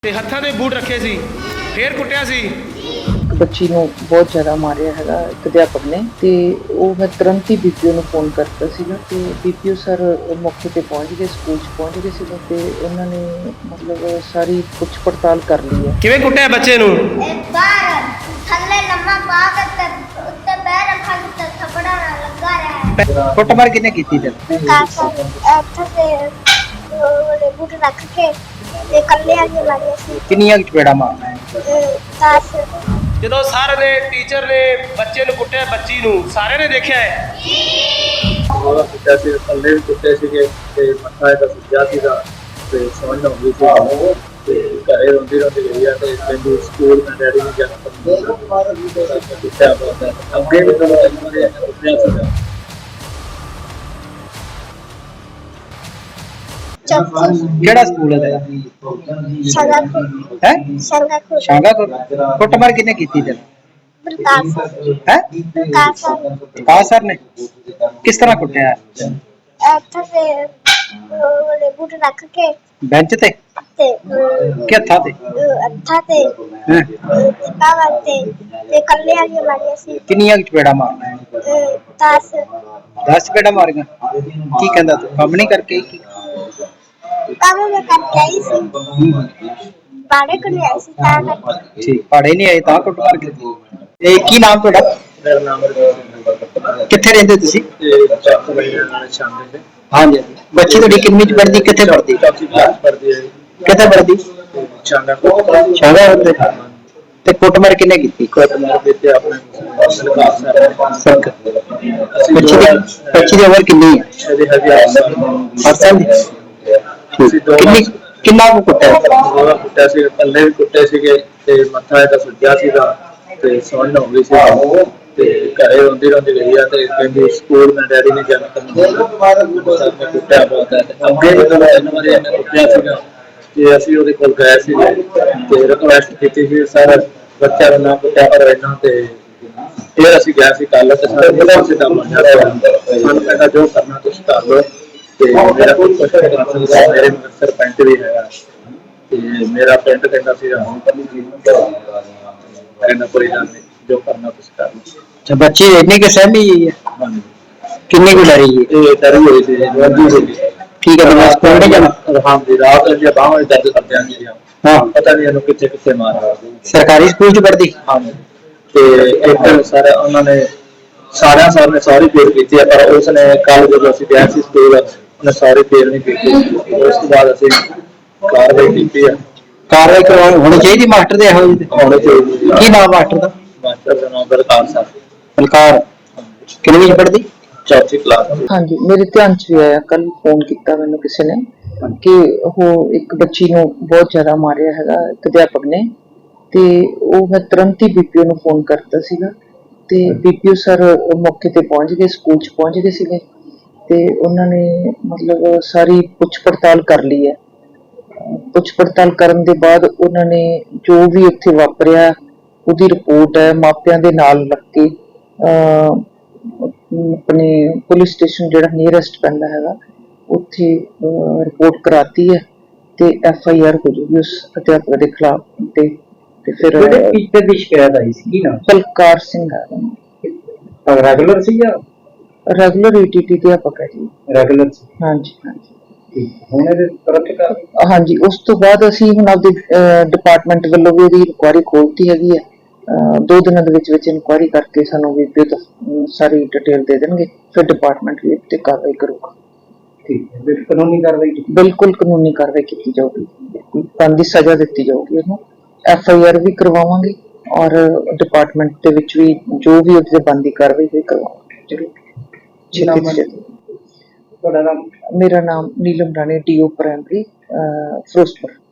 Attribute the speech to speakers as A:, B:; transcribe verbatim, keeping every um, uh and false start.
A: ਤੇ ਹੱਥਾਂ ਦੇ ਬੂਟ ਰੱਖੇ ਸੀ, ਫੇਰ ਕੁੱਟਿਆ ਸੀ।
B: ਬੱਚੀ ਨੂੰ ਬਹੁਤ ਜ਼ਿਆਦਾ ਮਾਰਿਆ ਹੈਗਾ ਇੱਕ ਅਧਿਆਪਕ ਨੇ, ਤੇ ਉਹ ਮੈਂ ਤੁਰੰਤ ਹੀ ਬੀਪੀਓ ਨੂੰ ਫੋਨ ਕਰਤਾ ਸੀਗਾ ਤੇ ਬੀਪੀਓ ਸਰ ਮੌਕੇ ਤੇ ਪਹੁੰਚ ਗਏ, ਸਕੂਲ 'ਚ ਪਹੁੰਚ ਗਏ ਸੀਗੇ ਤੇ ਉਹਨਾਂ ਨੇ ਮਤਲਬ ਸਾਰੀ ਪੁੱਛ ਪੜਤਾਲ ਕਰ ਲਈ ਹੈ।
A: ਕਿਵੇਂ ਕੁੱਟਿਆ ਬੱਚੇ ਨੂੰ?
C: ਬਾਹਰ ਥੱਲੇ ਲੰਮਾ ਪਾ ਕੇ ਤੇ ਉੱਤੇ ਪੈਰ ਰੱਖਾ ਕੇ ਥੱਪੜਾ ਨਾਲ ਲੱਗਾ ਰਿਹਾ।
D: ਕੁੱਟਮਾਰ ਕਿਹਨੇ ਕੀਤੀ ਤੇ
C: ਕਾਸਾ ਇੱਥੇ ਤੇ ਉਹਦੇ ਬੂਟ ਰੱਖ ਕੇ ਤੇ ਕੱਲੇ ਆ ਕੇ ਮਾਰਿਆ ਸੀ।
D: ਕਿੰਨੀਆਂ ਚਪੇੜਾ ਮਾਰਨਾ?
C: ਦਸ।
A: ਜਦੋਂ ਸਰ ਨੇ ਟੀਚਰ ਨੇ ਬੱਚੇ ਨੂੰ ਕੁੱਟਿਆ, ਬੱਚੀ ਨੂੰ ਸਾਰਿਆਂ ਨੇ ਦੇਖਿਆ ਹੈ।
E: ਉਹਦਾ ਕੁੱਟਿਆ ਸੀ, ਥੱਲੇ ਵੀ ਕੁੱਟੇ ਸੀਗੇ ਤੇ ਮੱਥਾ ਇਹਦਾ ਸੁੱਜਿਆ ਸੀਗਾ ਤੇ ਸਮਝ ਨਾ ਆਉਂਦੀ ਸੀ ਤੇ ਘਰੇ ਰੋਂਦੀ ਰੋਂਦੀ ਗਈ ਆ ਤੇ ਕਹਿੰਦੀ ਸਕੂਲ ਮੈਂ ਡੈਡੀ ਨੂੰ ਜਾਣਾ ਪੈਂਦਾ ਕੁੱਟਿਆ ਬਹੁਤ ਹੈ। ਅੱਗੇ ਵੀ ਜਦੋਂ ਇਹਨਾਂ ਦੇ ਕੁੱਟਿਆ ਸੀਗਾ।
D: ਕਿਹੜਾ ਸਕੂਲ ਹੈ ਤੇਰਾ?
C: ਸੰਗਾਪੁਰ
D: ਹੈ
C: ਸੰਗਾਪੁਰ
D: ਸ਼ਾਂਗਾਪੁਰ। ਕੁੱਟਮਾਰ ਕਿਹਨੇ ਕੀਤੀ ਤੇ?
C: ਪ੍ਰਕਾਸ਼
D: ਹੈ
C: ਪ੍ਰਕਾਸ਼
D: ਕਾ ਸਰ ਨੇ ਕਿਸ ਤਰ੍ਹਾਂ ਕੁੱਟਿਆ?
C: ਇੱਥੇ ਤੇ ਉਹਦੇ ਬੂਟ ਰੱਖ ਕੇ
D: ਬੈਂਚ ਤੇ
C: ਤੇ
D: ਕਿ ਹੱਥਾਂ ਤੇ?
C: ਅੱਠਾ ਤੇ
D: ਹੈਂ?
C: ਪਾਵਾ ਤੇ ਤੇ ਕੱਲੇ ਆ ਕੇ ਮਾਰਿਆ ਸੀ।
D: ਕਿੰਨੀਆਂ ਚਪੇੜਾ ਮਾਰਨਾ?
C: ਦਸ।
D: ਦਸ ਚਪੇੜਾ ਮਾਰੀਆਂ। ਕੀ ਕਹਿੰਦਾ ਤੂੰ ਕੰਮ ਨਹੀਂ ਕਰਕੇ ਕੀ?
C: ਕੰਮ ਮੈਂ ਕਰਕੇ ਆਈ ਸੀ, ਬਾੜੇ ਕੋਲ ਆਈ ਸੀ ਤਾਂ ਕਰਕੇ।
D: ਠੀਕ, ਪਹਾੜੇ ਨਹੀਂ ਆਏ ਤਾਂ ਕੁੱਟਮਾਰ ਕੀਤੀ। ਇਹ ਕੀ ਨਾਮ ਤੁਹਾਡਾ?
E: ਮੇਰਾ ਨਾਮ ਰਵਿੰਦਰ।
D: ਕਿੱਥੇ ਰਹਿੰਦੇ ਤੁਸੀਂ?
E: ਤੇ ਚੱਕ ਵਜੇ ਨਾਲ ਸ਼ਾਮ ਦੇ
D: ਹਾਂਜੀ, ਬੱਚੀ ਤੁਹਾਡੀ ਕਿੰਨੀ ਚ ਪੜ੍ਹਦੀ, ਕਿੱਥੇ ਪੜ੍ਹਦੀ?
E: ਚੌਥੀ ਕਲਾਸ ਪੜ੍ਹਦੀ ਹੈ ਜੀ।
D: ਕਿੱਥੇ ਪੜ੍ਹਦੀ?
E: ਸ਼ਾਂਗਾਪੁਰ।
D: ਸ਼ਾਂਗਾਪੁਰ ਦੇ। ਤੇ ਕੁੱਟਮਾਰ ਕਿਹਨੇ ਕੀਤੀ?
E: ਕੁੱਟਮਾਰ ਦਿੱਤੇ ਆਪਣੇ ਸਰਕਾਰ ਸਾਹਿਬ
D: ਸੰਕ ਬੱਚੀ ਦੀ ਬੱਚੀ ਦੀ ਉਮਰ ਕਿੰਨੀ ਹੈ?
E: ਇਹਦੇ ਹਜ਼ਾਰ ਸਾਲ
D: ਅੱਠ ਸਾਲ ਦੀ। ਠੀਕ। ਕਿੰਨੀ ਕਿੰਨਾ ਕੁ ਕੁੱਟਿਆ?
E: ਉਹਦਾ ਕੁੱਟਿਆ ਸੀ, ਥੱਲੇ ਵੀ ਕੁੱਟੇ ਸੀਗੇ ਤੇ ਮੱਥਾ ਇਹਦਾ ਸੁੱਜਿਆ ਸੀਗਾ ਤੇ ਸਮਝ ਨਾ ਆਉਂਦੀ ਸੀ ਤੇ ਘਰੇ ਰੋਂਦੀ ਰੋਂਦੀ ਗਈ ਆ ਤੇ ਕਹਿੰਦੀ ਸਕੂਲ ਮੈਂ ਡੈਡੀ ਨੇ ਜਾਣਾ ਪੈਂਦਾ ਸਰ ਨੇ ਕੁੱਟਿਆ ਬਹੁਤ ਹੈ। ਅੱਗੇ ਵੀ ਜਦੋਂ ਤਿੰਨ ਵਾਰੀ ਇਹਨੇ ਕੁੱਟਿਆ ਸੀਗਾ ਤੇ ਅਸੀਂ ਉਹਦੇ ਕੋਲ ਗਏ ਸੀਗੇ ਤੇ ਰਿਕੁਐਸਟ ਕੀਤੀ ਸੀ ਸਰ ਬੱਚਾ ਨੂੰ ਨਾ ਕੁੱਟਿਆ ਪਰ ਇਹਨਾਂ ਤੇ ਫਿਰ ਅਸੀਂ ਗਏ ਸੀ ਕੱਲ ਤੇ ਸਰ ਬੜਾ ਸਿੱਧਾ ਮੰਨਿਆ ਸਾਨੂੰ ਕਹਿੰਦਾ ਜੋ ਕਰਨਾ ਤੁਸੀਂ ਕਰ ਲਓ ਤੇ ਮੇਰਾ ਕੋਈ ਕੁਛ ਨਹੀਂ ਕਰ ਸਕਦਾ, ਮੇਰੇ ਸਰਪੰਚ ਵੀ ਹੈਗਾ ਤੇ ਮੇਰਾ ਪਿੰਡ ਕਹਿੰਦਾ ਸੀ ਕਹਿੰਦਾ ਕੋਈ ਗੱਲ ਨਹੀਂ ਜੋ ਕਰਨਾ ਤੁਸੀਂ ਕਰ ਲਓ।
D: ਅੱਛਾ, ਬੱਚੀ ਇੰਨੀ ਕਿ ਸਹਿਮੀ ਹੈ?
E: ਹਾਂਜੀ,
D: ਕਿੰਨੀ ਕੁ ਡਰੀ ਹੈ?
E: ਇਹ ਡਰੀ ਹੋਈ ਸੀ ਰੋਂਦੀ ਸੀ।
D: ਠੀਕ ਹੈ, ਮੈਂ ਸਕੂਲ ਨਹੀਂ ਜਾਣਾ?
E: ਹਾਂਜੀ, ਰਾਤ ਨੂੰ ਬਾਹਾਂ ਵਿੱਚ ਦਰਦ ਕਰਦੇ ਆਂ ਜੀ।
D: ਹਾਂ,
E: ਪਤਾ ਨਹੀਂ ਇਹਨੂੰ ਕਿੱਥੇ ਕਿੱਥੇ ਮਾਰਿਆ।
D: ਸਰਕਾਰੀ ਸਕੂਲ ਚ ਪੜ੍ਹਦੀ?
E: ਹਾਂਜੀ, ਤੇ ਇੱਕ ਸਰ ਉਹਨਾਂ ਨੇ ਸਾਰਿਆਂ ਸਰ ਨੇ ਸਾਰੀ ਫੇਰ ਕੀਤੀ ਹੈ ਪਰ ਉਸ ਨੇ ਕੱਲ ਜਦੋਂ ਅਸੀਂ ਗਏ ਸੀ ਸਕੂਲ ਉਹਨੇ ਸਾਰੀ ਫੇਰ ਨਹੀਂ ਕੀਤੀ। ਉਸ ਤੋਂ ਬਾਅਦ ਅਸੀਂ ਕਾਰਵਾਈ ਕੀਤੀ ਹੈ।
D: ਕਾਰਵਾਈ ਕਰਵਾਉਣੀ ਹੋਣੀ ਚਾਹੀਦੀ ਮਾਸਟਰ ਦੇ ਇਹੋ ਜਿਹੇ?
E: ਹੋਣੀ ਚਾਹੀਦੀ।
D: ਕੀ ਨਾਮ ਮਾਸਟਰ ਦਾ?
E: ਮਾਸਟਰ ਦਾ ਨਾਮ ਬਲਕਾਰ ਸਰ।
D: ਬਲਕਾਰ। ਕਿੰਨੀ ਚ ਪੜ੍ਹਦੀ?
E: ਚੌਥੀ ਕਲਾਸ।
B: ਹਾਂਜੀ, ਮੇਰੇ ਧਿਆਨ 'ਚ ਵੀ ਆਇਆ, ਕੱਲ ਫੋਨ ਕੀਤਾ ਮੈਨੂੰ ਕਿਸੇ ਨੇ ਕਿ ਉਹ ਇੱਕ ਬੱਚੀ ਨੂੰ ਬਹੁਤ ਜ਼ਿਆਦਾ ਮਾਰਿਆ ਹੈਗਾ ਇੱਕ ਅਧਿਆਪਕ ਨੇ, ਤੇ ਉਹ ਮੈਂ ਤੁਰੰਤ ਹੀ ਬੀਪੀਓ ਨੂੰ ਫੋਨ ਕਰਤਾ ਸੀਗਾ ਤੇ ਬੀਪੀਓ ਸਰ ਮੌਕੇ ਤੇ ਪਹੁੰਚ ਗਏ, ਸਕੂਲ 'ਚ ਪਹੁੰਚ ਗਏ ਸੀਗੇ ਤੇ ਉਹਨਾਂ ਨੇ ਮਤਲਬ ਸਾਰੀ ਪੁੱਛ ਪੜਤਾਲ ਕਰ ਲਈ ਹੈ। ਪੁੱਛ ਪੜਤਾਲ ਕਰਨ ਦੇ ਬਾਅਦ ਉਹਨਾਂ ਨੇ ਜੋ ਵੀ ਉੱਥੇ ਵਾਪਰਿਆ ਉਹਦੀ ਰਿਪੋਰਟ ਹੈ ਮਾਪਿਆਂ ਦੇ ਨਾਲ ਲੱਗ ਕੇ ਆਪਣੇ ਪੁਲਿਸ ਸਟੇਸ਼ਨ ਜਿਹੜਾ ਨੀਅਰੈਸਟ ਪੈਂਦਾ ਹੈਗਾ ਉੱਥੇ ਰਿਪੋਰਟ ਕਰਾਤੀ ਹੈ ਤੇ ਐਫ ਆਈ ਆਰ ਹੋ ਜੂਗੀ ਉਸ ਅਧਿਆਪਕ ਦੇ ਖਿਲਾਫ। ਤੇ ਤੇ ਫਿਰ
D: ਟੀਚਰ ਦੀ ਸ਼ਿਕਾਇਤ ਆਈ ਸੀ, ਕੀ ਨਾਮ?
B: ਬਲਕਾਰ ਸਿੰਘ ਹੈ,
D: ਰੈਗੂਲਰ ਸੀ ਜਾਂ?
B: ਰੈਗੂਲਰ ਈ ਟੀ ਟੀ ਅਧਿਆਪਕ ਹੈ ਜੀ।
D: ਰੈਗੂਲਰ ਸੀ।
B: ਹਾਂਜੀ ਹਾਂਜੀ।
D: ਹੁਣ ਇਹਦੇ ਤਰਫ
B: ਹਾਂਜੀ, ਉਸ ਤੋਂ ਬਾਅਦ ਅਸੀਂ ਹੁਣ ਆਪਦੇ ਡਿਪਾਰਟਮੈਂਟ ਵੱਲੋਂ ਵੀ ਇਹਦੀ ਇਨਕੁਆਇਰੀ ਖੋਲ੍ਹਤੀ ਹੈਗੀ ਹੈ। ਦੋ ਦਿਨਾਂ ਦੇ ਵਿੱਚ ਵਿੱਚ ਇਨਕੁਆਇਰੀ ਕਰਕੇ ਸਾਨੂੰ ਵੀ ਸਾਰੀ ਡਿਟੇਲ ਦੇ ਦੇਣਗੇ, ਫਿਰ ਡਿਪਾਰਟਮੈਂਟ ਵੀ ਤੇ ਕਾਰਵਾਈ ਕਰੂਗਾ।
D: ਠੀਕ ਹੈ, ਕਾਨੂੰਨੀ ਕਾਰਵਾਈ?
B: ਬਿਲਕੁਲ ਕਾਨੂੰਨੀ ਕਾਰਵਾਈ ਕੀਤੀ ਜਾਊਗੀ, ਬਣਦੀ ਸਜ਼ਾ ਦਿੱਤੀ ਜਾਊਗੀ ਉਹਨੂੰ। ਐਫ ਆਈ ਆਰ ਵੀ ਕਰਵਾਵਾਂਗੇ ਔਰ ਡਿਪਾਰਟਮੈਂਟ ਦੇ ਵਿੱਚ ਵੀ ਜੋ ਵੀ ਉਹਦੇ ਬਣਦੀ ਕਾਰਵਾਈ ਵੀ ਕਰਵਾਵਾਂਗੇ ਜ਼ਰੂਰ।
D: ਤੁਹਾਡਾ ਨਾਮ?
B: ਮੇਰਾ ਨਾਮ Neelam Rani, D O primary, Firozpur.